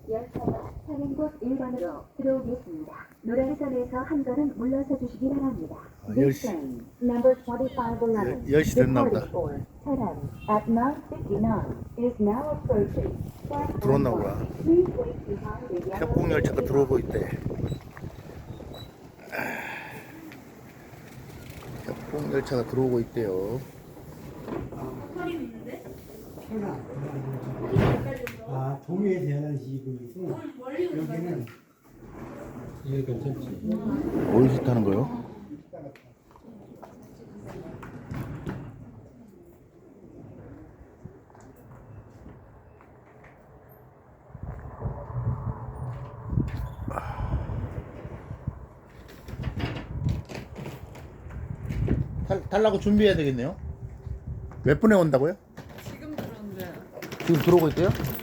열차가 타는 곳 1번으로 들어오겠습니다. 노란선에서 한 걸음 물러서 주시기 바랍니다. This train, number 2511, 10시 됐나 보다. departing for Taram at 9:59 is now approaching. 들어왔나 보다. Please wait behind the yellow 협곡열차가 들어오고 있대. 협곡열차가 들어오고 있대요. 아, 동해에서 11시 2분이고 여기는 여기 괜찮지? 어디서 타는 거요? 탈라고 준비해야 되겠네요. 몇 분에 온다고요? 지금 들었는데 지금 들어오고 있대요?